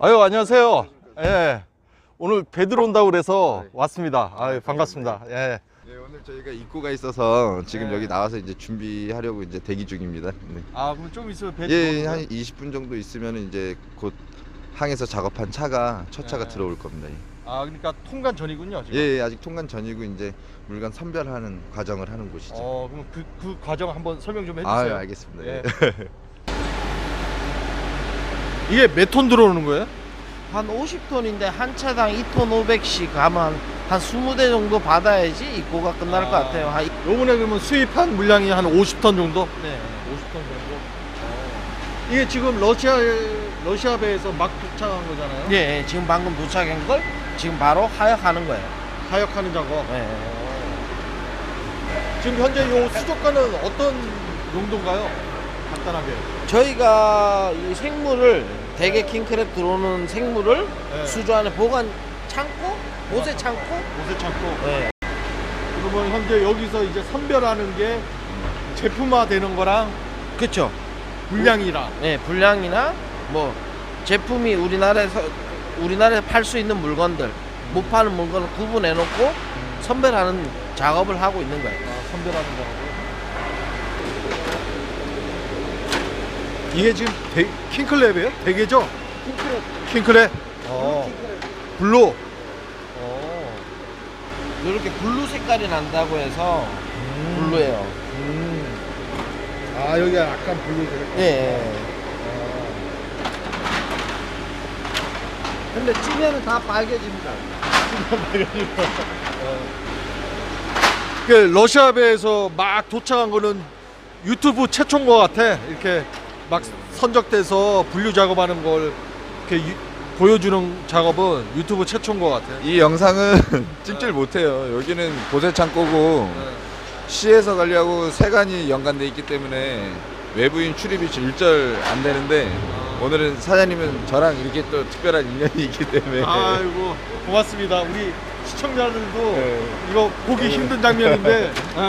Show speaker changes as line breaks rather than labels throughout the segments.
아유, 안녕하세요. 예. 오늘 배 들어온다고 그래서 왔습니다. 아유, 반갑습니다. 예.
네, 오늘 저희가 입고가 있어서 지금
네.
여기 나와서 이제 준비하려고 이제 대기 중입니다. 네.
아, 그럼 좀 있으면 배
예,
들어오는
한
거예요?
20분 정도 있으면 이제 곧 항에서 작업한 차가 첫 차가
네.
들어올 겁니다.
아, 그러니까 통관 전이군요, 지금.
예, 아직 통관 전이고 이제 물건 선별하는 과정을 하는 곳이죠.
그럼 그 과정 한번 설명 좀
아,
해주세요.
알겠습니다.
예.
예.
이게 몇 톤 들어오는 거예요?
한 50톤인데 한 차당 2톤 500씩 가면 한 20대 정도 받아야지 입고가 끝날 것 같아요.
요번에 그러면 수입한 물량이 한 50톤 정도?
네.
50톤 정도. 이게 지금 러시아 배에서 막 도착한 거잖아요.
예, 지금 방금 도착한 걸 지금 바로 하역하는 거예요.
하역하는 작업.
네.
지금 현재 요 수족관은 어떤 용도인가요? 간단하게.
저희가 이 생물을 대게 킹크랩 들어오는 생물을
네.
수조 안에 보관 창고, 보세 창고.
옷에 창고.
네.
그러면 현재 여기서 이제 선별하는 게 제품화 되는 거랑
그렇죠.
분량이랑.
네, 분량이나 뭐 제품이 우리나라에서 팔 수 있는 물건들, 못 파는 물건을 구분해 놓고 선별하는 작업을 하고 있는 거예요.
선별하는 거고. 이게 지금 킹클랩이에요? 대게죠? 킹클랩. 블루.
이렇게 블루 색깔이 난다고 해서 블루예요.
아, 여기가 약간 블루 색깔.
예. 근데 찌면은 다 빨개집니다.
그 러시아 배에서 막 도착한 거는 유튜브 최초인 것 같아. 이렇게 막 선적돼서 분류 작업하는 걸 이렇게 보여주는 작업은 유튜브 최초인 것 같아.
이 영상은 찍질 못해요. 여기는 보세 창고고 시에서 관리하고 세관이 연관돼 있기 때문에 외부인 출입이 일절 안 되는데 오늘은 사장님은 저랑 이렇게 또 특별한 인연이 있기 때문에
아이고, 고맙습니다. 우리 시청자들도
네.
이거 보기 힘든 장면인데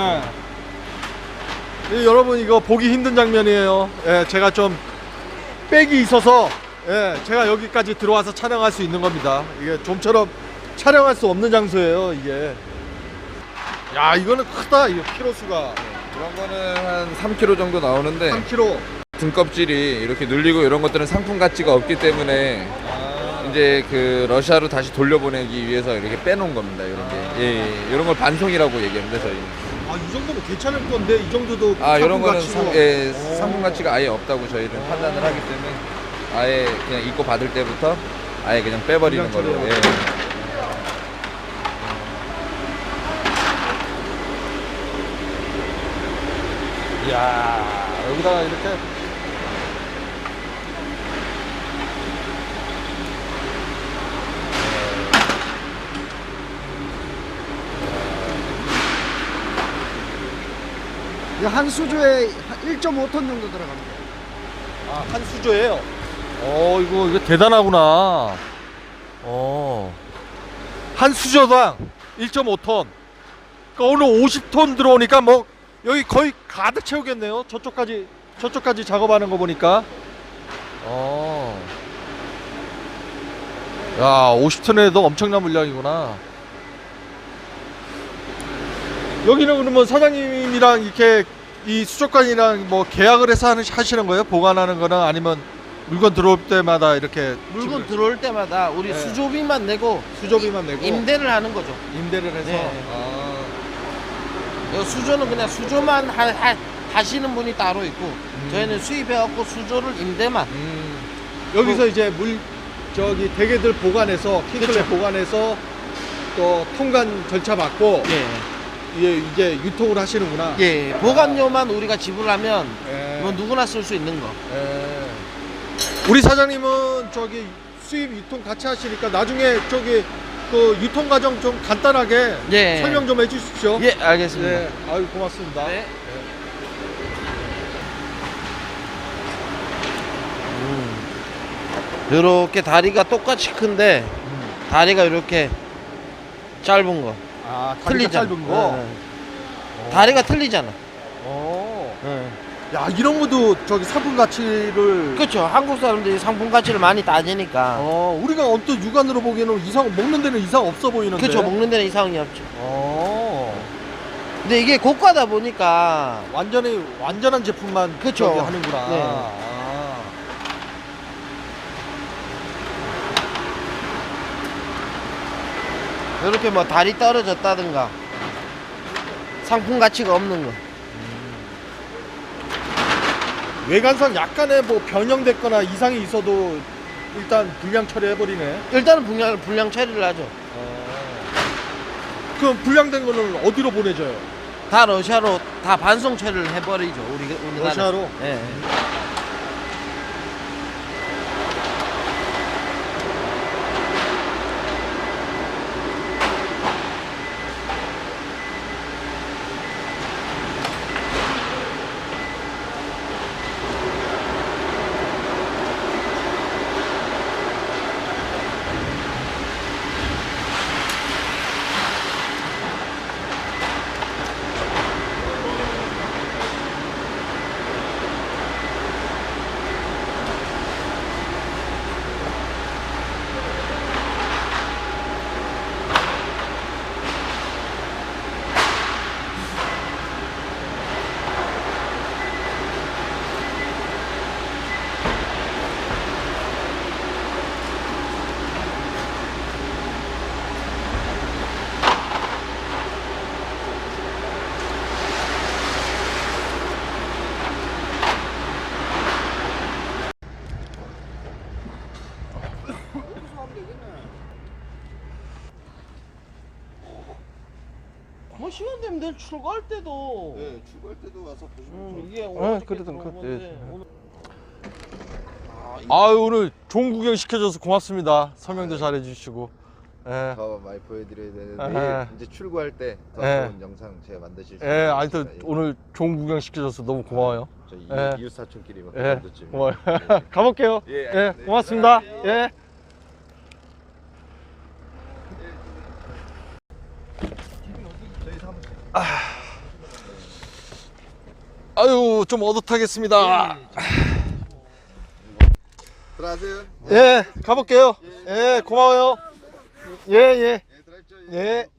예, 여러분 이거 보기 힘든 장면이에요. 예, 제가 좀 백이 있어서 제가 여기까지 들어와서 촬영할 수 있는 겁니다. 이게 좀처럼 촬영할 수 없는 장소예요, 이게. 야, 이거는 크다. 이거 키로수가
그런 거는 한 3kg 정도 나오는데
3kg.
등껍질이 이렇게 눌리고 이런 것들은 상품 가치가 없기 때문에 이제 그 러시아로 다시 돌려보내기 위해서 이렇게 빼놓은 겁니다. 이런 게 이런 걸 반송이라고 얘기합니다. 저희.
이 정도면 괜찮을 건데 이 정도도
이런 거는
가치고.
상품 가치가 아예 없다고 저희는 판단을 하기 때문에 아예 그냥 입고 받을 때부터 아예 그냥 빼버리는 걸로.
그냥 이야, 여기다가 이렇게
한 수조에 1.5톤 정도 들어갑니다.
한 수조예요. 이거 대단하구나. 한 수조당 1.5톤. 그러니까 오늘 50톤 들어오니까 뭐 여기 거의 가득 채우겠네요. 저쪽까지 작업하는 거 보니까. 야, 50톤에도 엄청난 물량이구나. 여기는 그러면 사장님이랑 이렇게 이 수족관이랑 뭐 계약을 해서 하시는 거예요? 보관하는 거는 아니면 물건 들어올 때마다 이렇게
물건 들어올 때마다 우리
네.
수조비만 내고
수조비만 내고
임대를 하는 거죠.
임대를 해서
네. 수조는 그냥 수조만 하시는 분이 따로 있고 저희는 수입해갖고 수조를 임대만.
여기서 이제 대게들 보관해서 킹클랩
그쵸.
보관해서 또 통관 절차 받고 이제 유통을 하시는구나.
예, 보관료만 우리가 지불하면
예.
뭐 누구나 쓸 수 있는 거.
예. 우리 사장님은 수입 유통 같이 하시니까 나중에 그 유통 과정 좀 간단하게
예.
설명 좀 해주십시오.
예, 알겠습니다.
네, 아유, 고맙습니다.
네. 이렇게 다리가 똑같이 큰데 다리가 이렇게 짧은 거.
다리가
틀리잖아.
짧은 거.
다리가 틀리잖아.
오.
네.
야, 이런 것도 저기 상품 가치를
그렇죠. 한국 사람들이 상품 가치를 많이 따지니까.
우리가 언뜻 육안으로 보기에는 이상 먹는 데는 이상 없어 보이는데.
그렇죠. 먹는 데는 이상이 없죠.
어.
근데 이게 고가다 보니까
완전히 완전한 제품만
그쵸.
저기 하는구나.
네.
아.
이렇게 뭐 다리 떨어졌다든가 상품 가치가 없는 거.
외관상 약간의 뭐 변형됐거나 이상이 있어도 일단 불량 처리해 버리네.
일단은 불량 처리를 하죠.
그럼 불량된 거는 어디로 보내줘요?
다 러시아로 다 반송 처리를 해버리죠. 우리나라.
러시아로?
예. 뭐 시간 되면 내일 출고할 때도
출고할 때도 와서 보시면
이게
그래도
들어온
그-
건데 오늘
아유, 오늘 좋은 구경 시켜줘서 고맙습니다. 설명도 잘해 주시고. 예.
더 많이 보여드려야 되는데
아.
내일 이제 출고할 때 더
예.
좋은 영상 제가 만드실 수
예, 하여튼 오늘 좋은 구경 시켜줘서 너무 고마워요.
저
예.
이웃 사촌끼리 막
예,
정도쯤.
고마워요. 가볼게요.
예,
예,
네.
고맙습니다. 예. 아유, 좀 어긋하겠습니다.
들어가세요.
예, 가볼게요. 예, 고마워요. 예, 예.
예, 들어가십시오.
예.